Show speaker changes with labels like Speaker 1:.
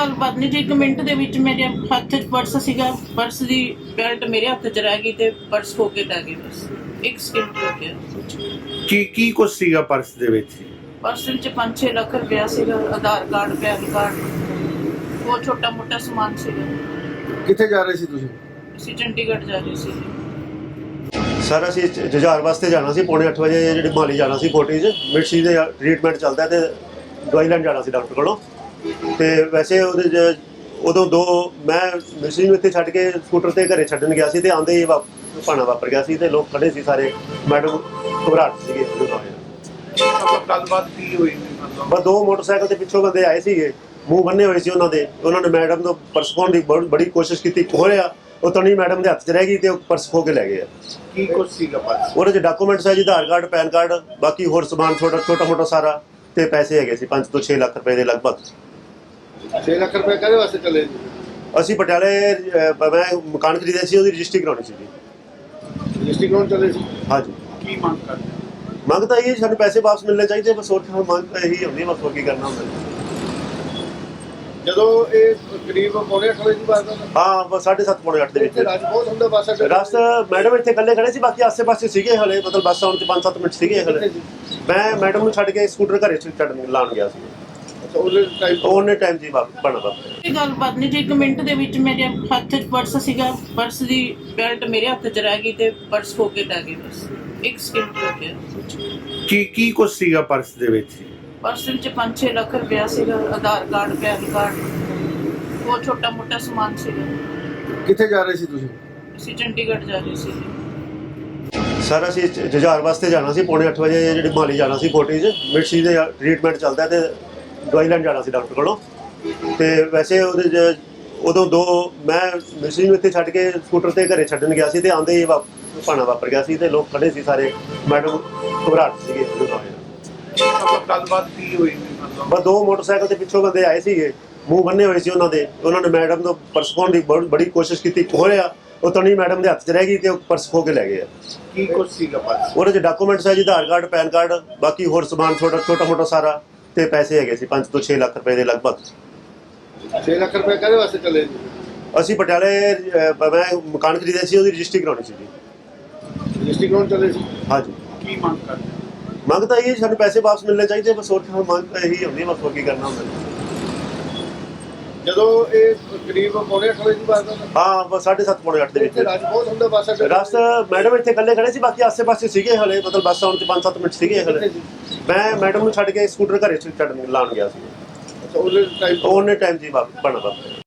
Speaker 1: ਗੱਲਬਾਤ ਨਹੀਂ ਜੀ। 1 ਮਿੰਟ ਦੇ ਵਿੱਚ ਮੇਰੇ ਹੱਥ 'ਚ ਪਰਸ ਸੀਗਾ, ਪਰਸ ਦੀ ਬੈਲਟ ਮੇਰੇ ਹੱਥ 'ਚ ਰਹਿ ਗਈ ਤੇ ਪਰਸ ਖੋ ਕੇ ਲੈ ਗਏ। ਬਸ 1 ਸਕਿੰਟ ਹੋ ਗਿਆ।
Speaker 2: ਕੀ ਕੁਛ ਸੀਗਾ ਪਰਸ ਦੇ ਵਿੱਚ?
Speaker 1: ਪਰਸ ਵਿੱਚ 5-6 ਲੱਖ ਰੁਪਇਆ ਸੀਗਾ, ਆਧਾਰ ਕਾਰਡ, ਪੈਨ ਕਾਰਡ, ਉਹ ਛੋਟਾ ਮੋਟਾ ਸਮਾਨ ਸੀਗਾ।
Speaker 3: ਕਿੱਥੇ ਜਾ ਰਹੇ ਸੀ ਤੁਸੀਂ?
Speaker 1: ਅਸੀਂ ਚੰਡੀਗੜ੍ਹ ਜਾ ਰਹੇ ਸੀ।
Speaker 4: ਸਰ ਅਸੀਂ ਜੁਝਾਰ ਵਾਸਤੇ ਜਾਣਾ ਸੀ, ਪੌਣੇ 8 ਵਜੇ ਜਿਹੜੀ ਮਾਲੀ ਜਾਣਾ ਸੀ ਕੋਟੀ 'ਚ ਮਿਰਚੀ ਦੇ ਟ੍ਰੀਟਮੈਂਟ ਚੱਲਦਾ ਤੇ ਦਵਾਈ ਲੈਣ ਜਾਣਾ ਸੀ ਡਾਕਟਰ ਕੋਲੋਂ। ਤੇ ਵੈਸੇ ਉਹਦੇ 'ਚ ਉਦੋਂ ਮੈਂ ਮਿਰਚੀ ਨੂੰ ਇੱਥੇ ਛੱਡ ਕੇ ਸਕੂਟਰ ਤੇ ਘਰੇ ਛੱਡਣ ਗਿਆ ਸੀ ਤੇ ਆਉਂਦੇ ਹੀ ਭਾਣਾ ਵਾਪਰ ਗਿਆ ਸੀ ਤੇ ਲੋਕ ਖੜੇ ਸੀ ਸਾਰੇ। ਮੈਡਮ ਘਬਰਾਹਟ ਸੀਗੇ।
Speaker 3: ਗੱਲਬਾਤ ਕੀ ਹੋਈ?
Speaker 4: ਬਸ 2 ਮੋਟਰਸਾਈਕਲ ਤੇ ਪਿੱਛੋਂ ਬੰਦੇ ਆਏ ਸੀਗੇ, ਮੂੰਹ ਬੰਨੇ ਹੋਏ ਸੀ ਉਹਨਾਂ ਦੇ। ਉਹਨਾਂ ਨੇ ਮੈਡਮ ਤੋਂ ਪਰਸ ਖੋਹਣ ਦੀ ਬੜੀ ਕੋਸ਼ਿਸ਼ ਕੀਤੀ, ਖੋਹਿਆ ਉਹ ਤਣੀ ਮੈਡਮ ਦੇ ਹੱਥ 'ਚ ਰਹਿ ਗਈ ਤੇ ਉਹ ਪਰਸ ਖੋਹ ਕੇ ਲੈ ਗਏ ਆ।
Speaker 3: ਕੀ ਕੁਛ ਸੀਗਾ ਪਰਸ?
Speaker 4: ਉਹਦੇ 'ਚ ਡਾਕੂਮੈਂਟਸ ਹੈ ਜੀ, ਆਧਾਰ ਕਾਰਡ, ਪੈਨ ਕਾਰਡ, ਬਾਕੀ ਹੋਰ ਸਮਾਨ ਛੋਟਾ ਮੋਟਾ ਸਾਰਾ, ਤੇ ਪੈਸੇ ਹੈਗੇ ਸੀ 5 ਤੋਂ 6 ਲੱਖ ਰੁਪਏ ਦੇ ਲਗਭਗ।
Speaker 3: 6 ਲੱਖ ਰੁਪਏ ਕਾਹਦੇ ਵਾਸਤੇ ਚਲੇ ਜੀ?
Speaker 4: ਅਸੀਂ ਪਟਿਆਲੇ ਮੈਂ ਮਕਾਨ ਖਰੀਦਿਆ ਸੀ, ਉਹਦੀ ਰਜਿਸਟਰੀ ਕਰਾਉਣੀ ਸੀ ਜੀ।
Speaker 3: ਰਜਿਸਟਰੀ ਕਰਾਉਣ ਚਲੇ ਸੀ?
Speaker 4: ਹਾਂਜੀ।
Speaker 3: ਕੀ ਮੰਗ ਕਰਦੇ?
Speaker 4: ਮੰਗ ਤਾਂ ਇਹ ਸਾਨੂੰ ਪੈਸੇ ਵਾਪਸ ਮਿਲਣੇ ਚਾਹੀਦੇ, ਬਸ ਹੋਰ ਮੰਗ ਇਹੀ ਹੁੰਦੀ, ਬਸ ਹੋਰ ਕੀ ਕਰਨਾ ਹੁੰਦਾ।
Speaker 3: ਜਦੋਂ ਇਹ ਕਰੀਬ ਪੌਣੇ 8 ਵਜੇ ਦੀ ਬਾਤ ਹੈ?
Speaker 4: ਹਾਂ, ਬਸ 7:30 ਪੌਣੇ 8 ਦੇ ਵਿੱਚ
Speaker 3: ਰਸ਼ ਬਹੁਤ ਹੁੰਦਾ ਬੱਸ ਅੱਡੇ?
Speaker 4: ਰਸ ਮੈਡਮ ਇੱਥੇ ਇਕੱਲੇ ਖੜੇ ਸੀ, ਬਾਕੀ ਆਸੇ ਪਾਸੇ ਸੀਗੇ ਹਲੇ, ਮਤਲਬ ਬੱਸ ਆਉਣ 'ਚ 5-7 ਮਿੰਟ ਸੀਗੇ ਹਲੇ। ਮੈਂ ਮੈਡਮ ਨੂੰ ਛੱਡ ਕੇ ਸਕੂਟਰ ਘਰੇ ਛੱਡਣ ਲਾਉਣ ਗਿਆ ਸੀ। ਉਹਨੇ ਟਾਈਮ ਜੀ ਬਣਾ
Speaker 1: ਇਹ ਗੱਲਬਾਤ ਨਹੀਂ ਜੀ। 1 ਮਿੰਟ ਦੇ ਵਿੱਚ ਮੇਰੇ ਹੱਥ 'ਚ ਪਰਸ ਸੀਗਾ, ਪਰਸ ਦੀ ਬੈਲਟ ਮੇਰੇ ਹੱਥ 'ਚ ਰਹਿ ਗਈ ਤੇ ਪਰਸ ਖੋ ਕੇ ਲੈ ਗਏ। ਬਸ 1 ਸਕਿੰਟ ਹੋ ਗਿਆ।
Speaker 2: ਕੀ ਕੁਛ ਸੀਗਾ ਪਰਸ ਦੇ ਵਿੱਚ?
Speaker 1: ਪਰਸ ਵਿੱਚ 5-6 ਲੱਖ ਰੁਪਇਆ ਸੀਗਾ, ਆਧਾਰ ਕਾਰਡ, ਪੈਨ ਕਾਰਡ, ਉਹ ਛੋਟਾ ਮੋਟਾ ਸਮਾਨ ਸੀਗਾ।
Speaker 3: ਕਿੱਥੇ ਜਾ ਰਹੇ ਸੀ ਤੁਸੀਂ?
Speaker 1: ਅਸੀਂ ਚੰਡੀਗੜ੍ਹ ਜਾ ਰਹੇ ਸੀ।
Speaker 4: ਸਰ ਅਸੀਂ ਜੁਝਾਰ ਵਾਸਤੇ ਜਾਣਾ ਸੀ, ਪੌਣੇ 8 ਵਜੇ ਜਿਹੜੀ ਮਾਲੀ ਜਾਣਾ ਸੀ ਕੋਟੀ 'ਚ ਮਿਰਚੀ ਦੇ ਟ੍ਰੀਟਮੈਂਟ ਚੱਲਦਾ ਤੇ ਦਵਾਈ ਲੈਣ ਜਾਣਾ ਸੀ ਡਾਕਟਰ ਕੋਲੋਂ। ਤੇ ਵੈਸੇ ਉਹਦੇ 'ਚ ਉਦੋਂ ਮੈਂ ਮਿਰਚੀ ਨੂੰ ਇੱਥੇ ਛੱਡ ਕੇ ਸਕੂਟਰ ਤੇ ਘਰੇ ਛੱਡਣ ਗਿਆ ਸੀ ਤੇ ਆਉਂਦੇ ਹੀ ਭਾਣਾ ਵਾਪਰ ਗਿਆ ਸੀ ਤੇ ਲੋਕ ਖੜੇ ਸੀ ਸਾਰੇ। ਮੈਡਮ ਘਬਰਾਹਟ ਸੀਗੇ।
Speaker 3: ਗੱਲਬਾਤ ਕੀ ਹੋਈ?
Speaker 4: ਬਸ 2 ਮੋਟਰਸਾਈਕਲ ਤੇ ਪਿੱਛੋਂ ਬੰਦੇ ਆਏ ਸੀਗੇ, ਮੂੰਹ ਬੰਨੇ ਹੋਏ ਸੀ ਉਹਨਾਂ ਦੇ। ਉਹਨਾਂ ਨੇ ਮੈਡਮ ਤੋਂ ਪਰਸ ਖੋਹਣ ਦੀ ਬੜੀ ਕੋਸ਼ਿਸ਼ ਕੀਤੀ, ਖੋਹਿਆ ਉਹ ਤਣੀ ਮੈਡਮ ਦੇ ਹੱਥ 'ਚ ਰਹਿ ਗਈ ਤੇ ਉਹ ਪਰਸ ਖੋਹ ਕੇ ਲੈ ਗਏ ਆ।
Speaker 3: ਕੀ ਕੁਛ ਸੀਗਾ ਪਰਸ?
Speaker 4: ਉਹਦੇ 'ਚ ਡਾਕੂਮੈਂਟਸ ਹੈ ਜੀ, ਆਧਾਰ ਕਾਰਡ, ਪੈਨ ਕਾਰਡ, ਬਾਕੀ ਹੋਰ ਸਮਾਨ ਛੋਟਾ ਮੋਟਾ ਸਾਰਾ, ਤੇ ਪੈਸੇ ਹੈਗੇ ਸੀ 5 ਤੋਂ 6 ਲੱਖ ਰੁਪਏ ਦੇ ਲਗਭਗ।
Speaker 3: 6 ਲੱਖ ਰੁਪਏ ਕਾਹਦੇ ਵਾਸਤੇ ਚਲੇ ਜੀ?
Speaker 4: ਅਸੀਂ ਪਟਿਆਲੇ ਮੈਂ ਮਕਾਨ ਖਰੀਦਿਆ ਸੀ, ਉਹਦੀ ਰਜਿਸਟਰੀ ਕਰਾਉਣੀ ਸੀ ਜੀ।
Speaker 3: ਰਜਿਸਟਰੀ ਕਰਾਉਣ ਚਲੇ ਸੀ?
Speaker 4: ਹਾਂਜੀ।
Speaker 3: ਕੀ ਮੰਗ ਕਰਦੇ?
Speaker 4: ਮੰਗ ਤਾਂ ਇਹ ਸਾਨੂੰ ਪੈਸੇ ਵਾਪਸ ਮਿਲਣੇ ਚਾਹੀਦੇ, ਬਸ ਹੋਰ ਮੰਗ ਇਹੀ ਹੁੰਦੀ, ਬਸ ਹੋਰ ਕੀ ਕਰਨਾ ਹੁੰਦਾ।
Speaker 3: ਜਦੋਂ ਇਹ ਕਰੀਬ ਪੌਣੇ 8 ਵਜੇ ਦੀ ਬਾਤ ਹੈ?
Speaker 4: ਹਾਂ, ਬਸ 7:30 ਪੌਣੇ 8 ਦੇ ਵਿੱਚ
Speaker 3: ਰਸ਼ ਬਹੁਤ ਹੁੰਦਾ ਬੱਸ ਅੱਡੇ?
Speaker 4: ਰਸ ਮੈਡਮ ਇੱਥੇ ਇਕੱਲੇ ਖੜੇ ਸੀ, ਬਾਕੀ ਆਸੇ ਪਾਸੇ ਸੀਗੇ ਹਲੇ, ਮਤਲਬ ਬੱਸ ਆਉਣ 'ਚ 5-7 ਮਿੰਟ ਸੀਗੇ ਹਲੇ। ਮੈਂ ਮੈਡਮ ਨੂੰ ਛੱਡ ਕੇ ਸਕੂਟਰ ਘਰੇ ਛੱਡਣ ਲਾਉਣ ਗਿਆ ਸੀ। ਉਹਨੇ ਟਾਈਮ ਜੀ ਬਣਾ